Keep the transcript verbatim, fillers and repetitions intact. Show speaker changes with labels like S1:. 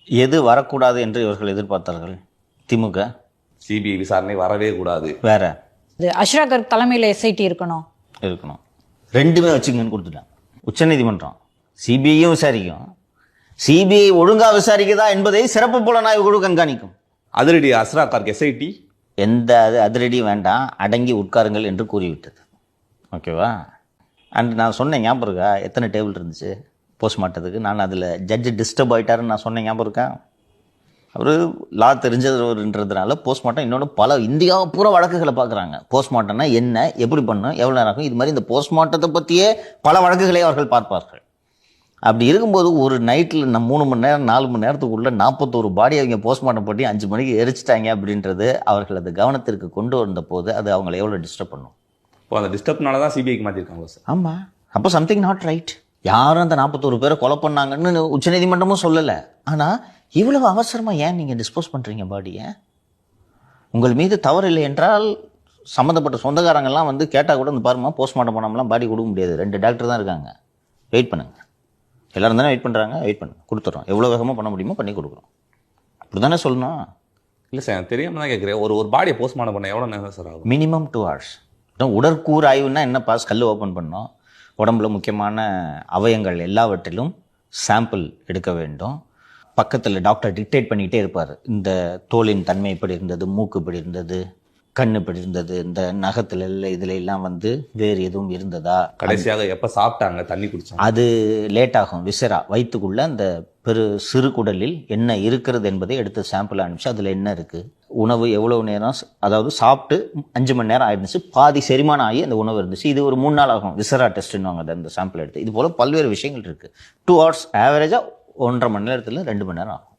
S1: எது வரக்கூடாது என்று இவர்கள் எதிர்பார்த்தார்கள்? திமுக
S2: சிபிஐ விசாரணை வரவே கூடாது.
S1: வேற
S3: அஷ்ரா கர்க் தலைமையில் எஸ்ஐடி இருக்கணும்
S1: இருக்கணும் ரெண்டுமே வச்சுங்கன்னு கொடுத்துட்டாங்க உச்சநீதிமன்றம். சிபிஐயும் விசாரிக்கும், சிபிஐ ஒழுங்கா விசாரிக்குதா என்பதை சிறப்பு புலனாய்வு குழு கண்காணிக்கும்.
S2: அதிரடி அஸ்ரா கார்க் எஸ்ஐடி
S1: எந்த அது அதிரடி வேண்டாம், அடங்கி உட்காருங்கள் என்று கூறிவிட்டது. ஓகேவா? அண்ட் நான் சொன்னேன் ஞாபகம் இருக்கா எத்தனை டேபிள் இருந்துச்சு போஸ்ட்மார்ட்டத்துக்கு? நான் அதில் ஜட்ஜு டிஸ்டர்ப் ஆகிட்டாருன்னு நான் சொன்னேன் ஞாபகம் இருக்கா? அவர் லா தெரிஞ்சதுன்றதுனால போஸ்ட்மார்ட்டம் இன்னொன்று பல இந்தியாவை பூரா வழக்குகளை பார்க்குறாங்க. போஸ்ட்மார்ட்டம்னா என்ன, எப்படி பண்ணும், எவ்வளோ நேரம் ஆகும், இது மாதிரி இந்த போஸ்ட்மார்ட்டத்தை பற்றியே பல வழக்குகளை அவர்கள் பார்ப்பார்கள். அப்படி இருக்கும்போது ஒரு நைட்டில் நம்ம மூணு மணி நேரம் நாலு மணி நேரத்துக்குள்ளே நாற்பத்தோரு பாடி அவங்க போஸ்ட்மார்ட்டம் பண்ணி அஞ்சு மணிக்கு எரிச்சிட்டாங்க அப்படின்றது அவர்கள் அது கவனத்திற்கு கொண்டு வந்த போது அது அவங்களை எவ்வளோ டிஸ்டர்ப் பண்ணும்.
S2: இப்போ அந்த டிஸ்டர்ப்னால தான் சிபிஐக்கு மாற்றிருக்காங்க சார்.
S1: ஆமாம், அப்போ சம்திங் நாட் ரைட். யாரும் அந்த நாற்பத்தோரு பேரை கொலை பண்ணாங்கன்னு உச்சநீதிமன்றமும் சொல்லலை. ஆனால் இவ்வளவு அவசரமாக ஏன் நீங்கள் டிஸ்போஸ் பண்ணுறீங்க பாடியை? உங்கள் மீது தவறு இல்லை என்றால் சம்மந்தப்பட்ட சொந்தக்காரங்கள்லாம் வந்து கேட்டால் கூட இந்த பாருமா போஸ்ட்மார்ட்டம் பண்ணாமலாம் பாடி கொடுக்க முடியாது, ரெண்டு டாக்டர் தான் இருக்காங்க, வெயிட் பண்ணுங்கள். எல்லோரும் தானே வெயிட் பண்ணுறாங்க, வெயிட் பண்ணுங்க, கொடுத்துட்றோம், எவ்வளோ வேகமாக பண்ண முடியுமோ பண்ணி கொடுக்குறோம். அப்படி தானே சொல்லணும்.
S2: இல்லை சார், எனக்கு தெரியாமல் தான் கேட்குறேன். ஒரு ஒரு பாடியை போஸ்ட்மார்ட்டம் பண்ண எவ்வளோ நேரம் சார் ஆகும்?
S1: Minimum two hours. உடற்கூறு ஆய்வுன்னா என்னப்பா, ஸ்கல் ஓப்பன் பண்ணோம், உடம்புல முக்கியமான அவயங்கள் எல்லாவற்றிலும் சாம்பிள் எடுக்க வேண்டும். பக்கத்தில் டாக்டர் டிக்டேட் பண்ணிக்கிட்டே இருப்பார், இந்த தோலின் தன்மை இப்படி இருந்தது, மூக்கு இப்படி இருந்தது, கண் இப்படி இருந்தது, இந்த நகத்தில் இல்லை இதில் எல்லாம் வந்து வேறு எதுவும் இருந்ததா,
S2: கடைசியாக எப்போ சாப்பிட்டாங்க, தண்ணி குடிச்சாங்க,
S1: அது லேட் ஆகும். விசரா வயிற்றுக்குள்ளே அந்த பெரு சிறு குடலில் என்ன இருக்கிறது என்பதை எடுத்து சாம்பிள் அனுப்பிச்சு அதில் என்ன இருக்குது, உணவு எவ்வளோ நேரம், அதாவது சாப்பிட்டு அஞ்சு மணி நேரம் ஆயிடுச்சு, பாதி செரிமானம் ஆகி அந்த உணவு இருந்துச்சு, இது ஒரு மூணு நாள் ஆகும் விசரா டெஸ்ட்டுன்னு அதை அந்த சாம்பிள் எடுத்து. இது போல் பல்வேறு விஷயங்கள் இருக்குது. டூ ஹவர்ஸ் ஆவரேஜாக ஒன்றரை மணி நேரத்தில் ரெண்டு மணி நேரம் ஆகும்.